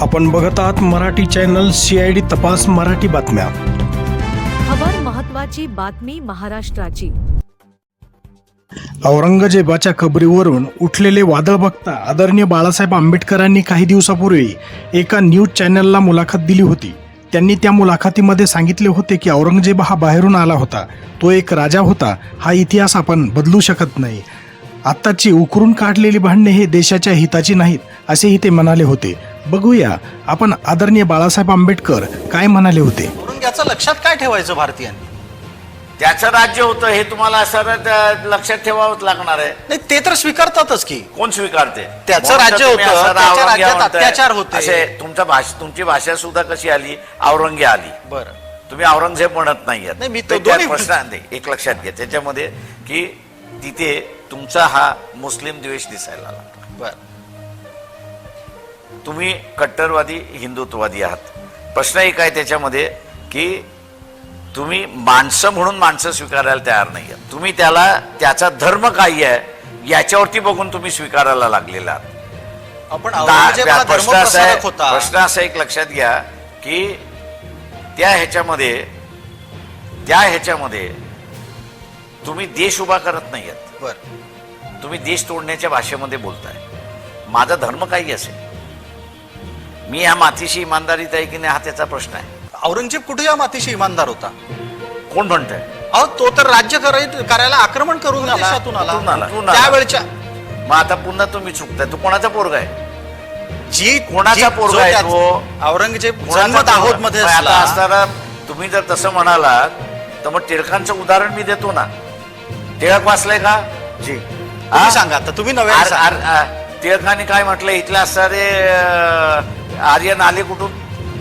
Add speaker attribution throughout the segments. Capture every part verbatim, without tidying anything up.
Speaker 1: आपण बघत आहात Marathi channel C I D तपास मराठी बातम्या.
Speaker 2: खबर महत्वाची बातमी महाराष्ट्राची.
Speaker 1: औरंगजेबाच्या कबरीवरून उठलेले वादळ बघता आदरणीय बाळासाहेब आंबेडकरांनी काही दिवसापूर्वी एका न्यूज चॅनलला मुलाखत दिली होती. त्यांनी त्या मुलाखतीमध्ये सांगितले होते की औरंगजेब हा बाहेरून आला होता, तो एक राजा होता. हा इतिहास आपण बदलू शकत नाही. आत्ताची उकरून काढलेली भांडणे हे देशाच्या हिताची नाहीत असेही ते म्हणाले होते. बघूया आपण आदरणीय बाळासाहेब आंबेडकर काय म्हणाले होते.
Speaker 3: याचं लक्षात काय ठेवायचं भारतीयांनी?
Speaker 4: त्याचं राज्य होतं हे तुम्हाला सरळ लक्षात ठेवावंच लागणार आहे.
Speaker 3: नाही ते तर स्वीकारतातच की
Speaker 4: कोण स्वीकारते?
Speaker 3: त्याचं राज्य होतं, त्याच्या राज्यात अत्याचार होते.
Speaker 4: असे तुमचा भाषा तुमची भाषा सुद्धा कशी आली? औरंगे आली.
Speaker 3: बरं,
Speaker 4: तुम्ही औरंगजेब म्हणत नाही.
Speaker 3: नाही, मी
Speaker 4: तर
Speaker 3: तो दोन्ही
Speaker 4: प्रश्न नाही, एक लक्षात घ्या त्याच्यामध्ये की तिथे तुमचा हा मुस्लिम द्वेष दिसायला लागला.
Speaker 3: बरं,
Speaker 4: तुम्ही कट्टरवादी हिंदुत्ववादी आहात. प्रश्न एक आहे त्याच्यामध्ये की तुम्ही माणसं म्हणून माणसं स्वीकारायला तयार नाही आहात. तुम्ही त्याला त्याचा धर्म काय आहे याच्यावरती बघून तुम्ही स्वीकारायला लागलेला आहात.
Speaker 3: आपण औरंगजेब हा
Speaker 4: प्रश्न असा आहे
Speaker 3: धर्मप्रसारक होता.
Speaker 4: प्रश्न असा एक लक्षात घ्या की त्या ह्याच्यामध्ये त्या ह्याच्यामध्ये तुम्ही देश उभा करत नाही आहात.
Speaker 3: बरं,
Speaker 4: तुम्ही देश तोडण्याच्या भाषेमध्ये बोलताय. माझा धर्म काही असेल, मी ह्या मातीशी इमानदारीत आहे की नाही हा त्याचा प्रश्न आहे.
Speaker 3: औरंगजेब कुठे या मातीशी इमानदार होता?
Speaker 4: कोण म्हणतंय?
Speaker 3: अहो तो तर राज्य कराय- करायला आक्रमण करून
Speaker 4: आला.
Speaker 3: देशातून आला.
Speaker 4: कुठून आला? कुठून आला?
Speaker 3: त्यावेळच्या
Speaker 4: मग आता पुन्हा तुम्ही चुकताय. तू कोणाचा पोरगा आहे?
Speaker 3: जी
Speaker 4: कोणाचा
Speaker 3: जी-
Speaker 4: पोरगा
Speaker 3: जो
Speaker 4: आहे
Speaker 3: त्याच-
Speaker 4: तो?
Speaker 3: औरंगजेब
Speaker 4: कोणाचा
Speaker 3: जन्म दाहोद
Speaker 4: पोरगा?
Speaker 3: मध्ये
Speaker 4: मग आता
Speaker 3: असला.
Speaker 4: असताना तुम्ही जर तसं म्हणालात तर मग टिळकांचं उदाहरण मी देतो ना. टिळक वाचलंय का?
Speaker 3: जी तुम्ही सांगा आता, तुम्ही नव्हे
Speaker 4: आर- आर- आ- टिळकांनी काय म्हटलं? इथले असणारे अं, आर्यन आले कुठून?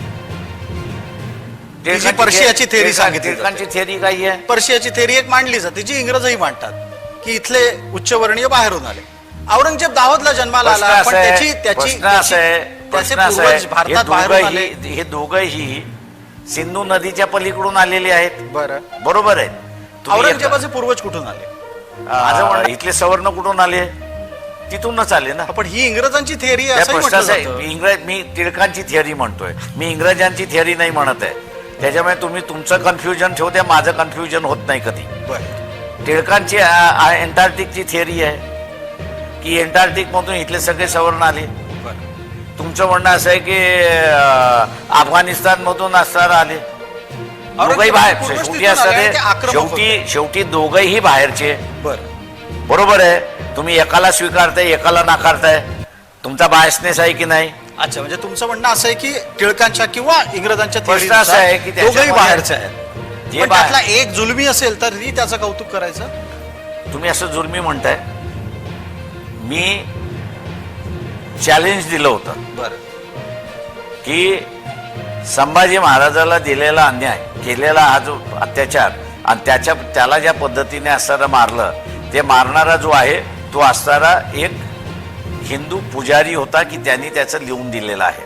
Speaker 3: तिची पर्शियाची theory सांगितली जाते.
Speaker 4: टिळकांची थेअरी काय आहे?
Speaker 3: पर्शियाची थेरी एक मांडली जाते, जी इंग्रजही मांडतात की इथले उच्चवर्णीय बाहेरून आले. औरंगजेब दाहोदला जन्माला
Speaker 4: प्रश्न
Speaker 3: आला,
Speaker 4: असा
Speaker 3: पण
Speaker 4: आहे,
Speaker 3: त्याची त्याची
Speaker 4: प्रश्न असा आहे,
Speaker 3: त्याचे
Speaker 4: प्रश्न असा
Speaker 3: पूर्वज
Speaker 4: आहे,
Speaker 3: भारतात
Speaker 4: हे
Speaker 3: बाहेरून आले.
Speaker 4: दोघंही हे दोघंही सिंधू नदीच्या पलीकडून आलेले आहेत.
Speaker 3: बरं,
Speaker 4: बरोबर आहे. तुम्ही
Speaker 3: औरंगजेबाचे पूर्वज कुठून आले?
Speaker 4: आता- माझं म्हणणं, इथले सवर्ण कुठून आले? तिथूनच आले ना.
Speaker 3: पण ही इंग्रजांची थेअरी
Speaker 4: त्या
Speaker 3: असं
Speaker 4: प्रश्नाचं आहे, मी इंग्रज मी टिळकांची थिअरी म्हणतोय, मी इंग्रजांची थिअरी नाही म्हणत आहे. त्याच्यामुळे तुम्ही तुमचं कन्फ्युजन ठेवते, माझं कन्फ्युजन होत नाही कधी. टिळकांची एंटार्क्टिकची थिअरी आहे की एंटार्क्टिक मधून इथले सगळे सवर्ण आले. तुमचं म्हणणं असं आहे की अफगाणिस्तान मधून असणारा आले. दोघंही बाहेर शेवटी असणारे शेवटी शेवटी दोघंही बाहेरचे. बरोबर आहे. तुम्ही एकाला स्वीकारताय, एकाला नाकारताय. तुमचा बायसनेस आहे की नाही?
Speaker 3: अच्छा, म्हणजे तुमचं म्हणणं असं आहे की टिळकांच्या किंवा इंग्रजांच्या
Speaker 4: प्रश्न असा आहे की
Speaker 3: दोघंही
Speaker 4: त्याच्यामध्ये-
Speaker 3: बाहेरचे आहेत.
Speaker 4: जे
Speaker 3: पण
Speaker 4: बाहेर-
Speaker 3: त्यातला एक जुलमी असेल तरी त्याचं कौतुक करायचं.
Speaker 4: तुम्ही असं जुलमी म्हणताय. मी चॅलेंज दिलं होतं
Speaker 3: बरं,
Speaker 4: की संभाजी महाराजाला दिलेला अन्याय, केलेला हा जो अत्याचार आणि त्याच्या त्याला ज्या पद्धतीने असणारा मारलं, ते मारणारा जो आहे तो असणारा एक हिंदू पुजारी होता की त्यांनी त्याचं लिहून दिलेलं आहे.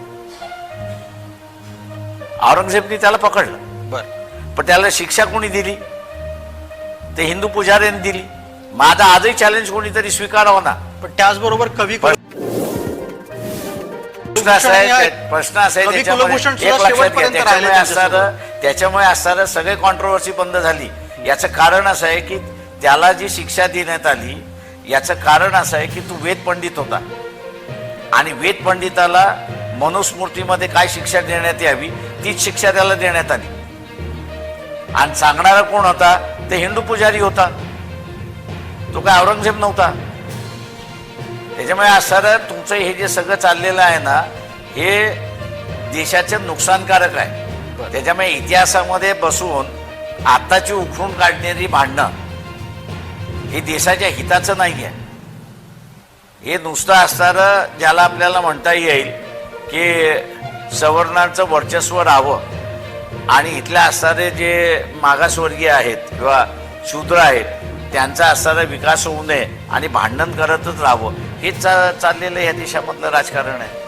Speaker 4: औरंगजेबनी त्याला पकडलं.
Speaker 3: बरं,
Speaker 4: पण त्याला शिक्षा कोणी दिली? ते हिंदू पुजाऱ्यांनी दिली. माझा आजही चॅलेंज कोणीतरी स्वीकारावं ना.
Speaker 3: पण त्याचबरोबर कवी
Speaker 4: प्रश्न असा आहे प्रश्न असा आहे
Speaker 3: कवी
Speaker 4: त्याच्यामध्ये
Speaker 3: कुलभूषण
Speaker 4: एक
Speaker 3: सुद्धा
Speaker 4: लक्षात घ्या,
Speaker 3: शेवटपर्यंत
Speaker 4: त्याच्यामुळे
Speaker 3: राहिले
Speaker 4: असणारं त्याच्यामुळे असणारं सगळे कॉन्ट्रोवर्सी बंद झाली. याचं कारण असं आहे की त्याला जी शिक्षा देण्यात आली याचं कारण असं आहे की तू वेद पंडित होता आणि वेद पंडिताला मनुस्मृतीमध्ये काय शिक्षा देण्यात यावी तीच शिक्षा त्याला देण्यात आली. आणि सांगणारा कोण होता? ते हिंदू पुजारी होता. तो काय औरंगजेब नव्हता. त्याच्यामुळे असणारं तुमचं हे जे सगळं चाललेलं आहे ना, हे देशाचं नुकसानकारक आहे. त्याच्यामुळे इतिहासामध्ये बसून आताची उखडून काढणारी भांडणं हे देशाच्या हिताचं नाही आहे. हे नुसतं असणारं ज्याला आपल्याला म्हणता येईल की सवर्णांचं वर्चस्व राहावं आणि इथल्या असणारे जे मागासवर्गीय आहेत किंवा शूद्र आहेत त्यांचा असणारा विकास होऊ नये आणि भांडण करतच राहावं, हेच चा चाललेलं या देशामधलं राजकारण आहे.